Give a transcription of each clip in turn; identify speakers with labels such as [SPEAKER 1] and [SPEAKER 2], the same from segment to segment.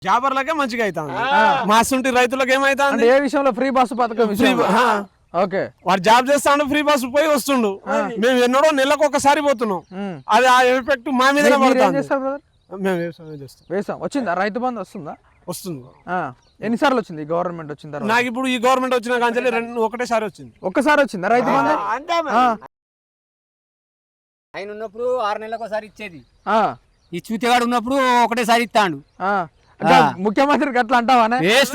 [SPEAKER 1] జాబర్లకే మంచిగా అవుతుంది మాసుంటి రైతులకు ఏమైతుంది
[SPEAKER 2] ఏ విషయంలో ఫ్రీ బస్సు పథకం ఓకే
[SPEAKER 1] వాడు జాబ్ చేస్తాడు ఫ్రీ బస్ పోయి వస్తుండు మేము ఎన్నడో నెలకు ఒకసారి పోతున్నాం అది ఆ ఎఫెక్ట్ మా మీద మేము
[SPEAKER 2] వేసాం వచ్చిందా రైతు బంధు
[SPEAKER 1] వస్తుంది
[SPEAKER 2] ఎన్నిసార్లు వచ్చింది గవర్నమెంట్ వచ్చిందా
[SPEAKER 1] నాకు ఇప్పుడు ఈ గవర్నమెంట్ వచ్చిన కాంచెల్లి ఒకటేసారి వచ్చింది
[SPEAKER 2] ఒక్కసారి వచ్చిందా రైతు బంధు
[SPEAKER 3] ఆయన ఉన్నప్పుడు 6 నెలలకు ఒకసారి ఇచ్చేది ఈ చూతేవాడు ఉన్నప్పుడు ఒకటేసారి ఇస్తాడు
[SPEAKER 2] ముఖ్యమంత్రికి అట్లా అంటావానే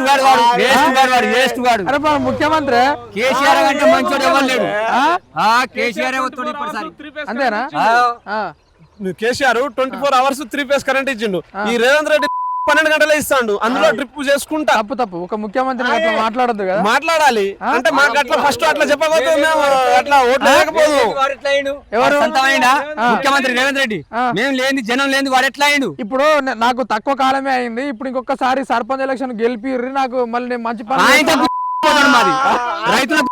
[SPEAKER 2] అరే ముఖ్యమంత్రి
[SPEAKER 3] కేసీఆర్ అంటే మంచోడు ఎవరు లేడు కేసీఆర్
[SPEAKER 2] అంతేనా
[SPEAKER 1] కేసీఆర్ 24 hours 3 phase కరెంట్ ఇచ్చిండు ఈ రేవంత్ రెడ్డి 12 గంటలే ఇస్తాడు అందులో డ్రిప్ చేసుకుంటా
[SPEAKER 2] తప్పు ఒక ముఖ్యమంత్రి అట్లా మాట్లాడద్దు కదా
[SPEAKER 1] మాట్లాడాలి అంటే మాకు అట్లా ఫస్ట్ అట్లా చెప్పకపోతే అట్లా ఓట్లు లేకపోదు
[SPEAKER 2] ఎవరు
[SPEAKER 3] ముఖ్యమంత్రి రేవంత్ రెడ్డి మేము లేని జనం లేని వాడు ఎట్లా అయిండు
[SPEAKER 2] ఇప్పుడు నాకు తక్కువ కాలమే అయింది ఇప్పుడు ఇంకొకసారి సర్పంచ్ ఎలక్షన్ గెలిపి నాకు మళ్ళీ మంచి పని
[SPEAKER 3] మాది రైతులకు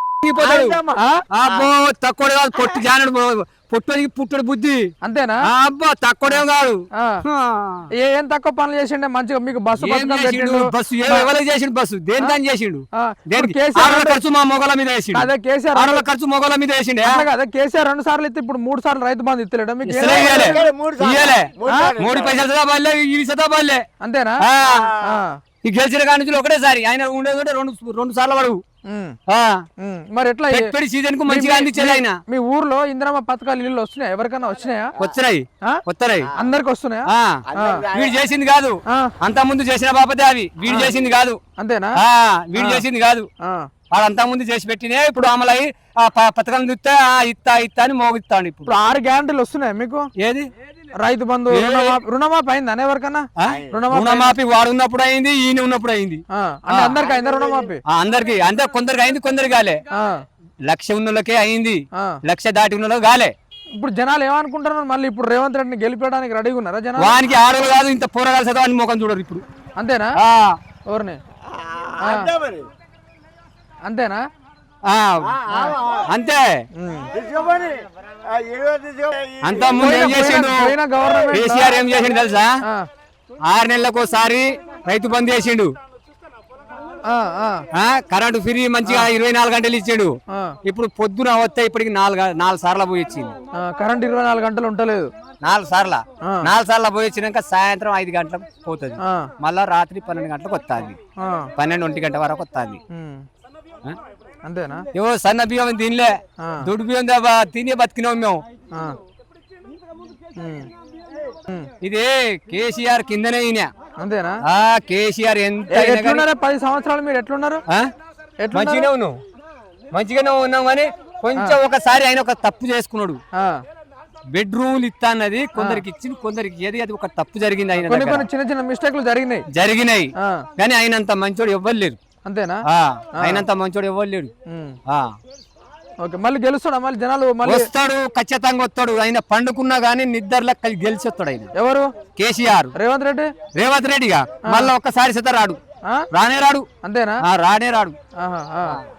[SPEAKER 3] తక్కువ కాదు పొట్టు జానడు పొట్టుకి పుట్టుడు బుద్ధి
[SPEAKER 2] అంతేనా
[SPEAKER 3] అబ్బా తక్కువడే కాదు
[SPEAKER 2] ఏం తక్కువ పనులు చేసిండే మంచిగా మీకు బస్సు
[SPEAKER 3] బస్సు ఎవరికి చేసిండు బస్సు దేని దాన్ని చేసిండు ఖర్చు మా మొగల మీద వేసిండు
[SPEAKER 2] అదే కేసీఆర్
[SPEAKER 3] ఖర్చు మొగల మీద వేసిండే
[SPEAKER 2] అదే కేసీఆర్ 2 సార్లు ఇస్తే ఇప్పుడు 3 సార్లు రైతు బంధు ఇస్తలేడు మీకు
[SPEAKER 3] 3 పైసలు బాలే ఇవి సదా బాలే
[SPEAKER 2] అంతేనా
[SPEAKER 3] ఈ గెలిచిన కాడి నుంచి ఒకటేసారి ఆయన ఉండేది రెండు సార్లు పడవు
[SPEAKER 2] మరి ఎట్లా
[SPEAKER 3] సీజన్ కు మంచిగా అందించేది ఆయన
[SPEAKER 2] మీ ఊర్లో ఇందిరమ్మ పథకాలు ఇల్లు వస్తున్నాయి ఎవరికైనా వచ్చినాయా
[SPEAKER 3] వస్తున్నాయి
[SPEAKER 2] అందరికి వస్తున్నాయా
[SPEAKER 3] వీడు చేసింది కాదు అంత ముందు చేసిన బాపతే అవి వీడు చేసింది కాదు
[SPEAKER 2] అంతేనా
[SPEAKER 3] వీడు చేసింది కాదు వాడు అంతా ముందు చేసి పెట్టినే ఇప్పుడు అమలై పథకం చూస్తే ఇత్తా అని మోగిస్తాడు
[SPEAKER 2] ఇప్పుడు 6 గ్యారంటీలు వస్తున్నాయి మీకు
[SPEAKER 3] ఏది
[SPEAKER 2] రైతు బంధు రుణమాఫీ అయింది ఎవరికన్నా
[SPEAKER 3] రుణమాఫీ వాడు ఉన్నప్పుడు అయింది ఈయన ఉన్నప్పుడు అయింది
[SPEAKER 2] అంటే అందరికి అయిందా రుణమాఫీ
[SPEAKER 3] అందరికి అంటే కొందరికి అయింది కొందరికి కాలే 1,00,000 ఉన్నోళ్ళకే అయింది 1,00,000 దాటి ఉన్న కాలే
[SPEAKER 2] ఇప్పుడు జనాలు ఏమనుకుంటున్నారు మళ్ళీ ఇప్పుడు రేవంత్ రెడ్డిని గెలిపడానికి రెడీగా ఉన్నారా జనాలు
[SPEAKER 3] వానికి ఆడలు కాదు ఇంత పోరగాలు చదవ అని ముఖం చూడరు ఇప్పుడు
[SPEAKER 2] అంతేనా ఎవరిని అంతేనా
[SPEAKER 3] అంతే అంత ముందు ఏం చేసిండు కేసీఆర్ ఏం చేసిండు తెలుసా 6 నెలలకు ఒకసారి రైతు బంద్ చేసిండు కరెంటు ఫ్రీ మంచిగా 24 గంటలు ఇచ్చాడు ఇప్పుడు పొద్దున వస్తే ఇప్పటికి 4 సార్లు పోయి వచ్చింది
[SPEAKER 2] కరెంట్ 24 గంటలు ఉంటలేదు
[SPEAKER 3] 4 సార్లు పోయి వచ్చినాక సాయంత్రం 5 గంటలకు పోతుంది మళ్ళా రాత్రి 12 గంటలకు వస్తుంది 12-1 గంట వరకు వస్తుంది
[SPEAKER 2] అంతేనా
[SPEAKER 3] ఏవో సన్న బియ్యం తినలే దొడ్డు బియ్యం తినే బతికినాం మేము ఇది కేసీఆర్ కిందనే ఈయన
[SPEAKER 2] అంతేనా
[SPEAKER 3] కేసీఆర్ ఎంత
[SPEAKER 2] 10 సంవత్సరాలు మీరు ఎట్లున్నారు
[SPEAKER 3] మంచిగానే ఉన్నాం కానీ కొంచెం ఒకసారి ఆయన ఒక తప్పు చేసుకున్నాడు బెడ్రూమ్లు ఇస్తా అన్నది కొందరికి ఇచ్చింది కొందరికి ఏది అది ఒక తప్పు జరిగింది ఆయన
[SPEAKER 2] చిన్న మిస్టేక్లు
[SPEAKER 3] జరిగినాయి కానీ ఆయనంత మంచోడు ఎవ్వరు లేరు
[SPEAKER 2] అంతేనా
[SPEAKER 3] ఆయనంత మంచోడు ఎవ్వరు లేడు
[SPEAKER 2] ఓకే మళ్ళీ గెలుస్తాడా మళ్ళీ జనాలు
[SPEAKER 3] వస్తాడు ఖచ్చితంగా వస్తాడు ఆయన పండుకున్నా గానీ నిద్రలో గెలిచి వస్తాడు ఆయన
[SPEAKER 2] ఎవరు
[SPEAKER 3] కేసీఆర్ రేవంత్ రెడ్డిగా మళ్ళీ ఒక్కసారి రాడు రానే రాడు
[SPEAKER 2] అంతేనా
[SPEAKER 3] రానే రాడు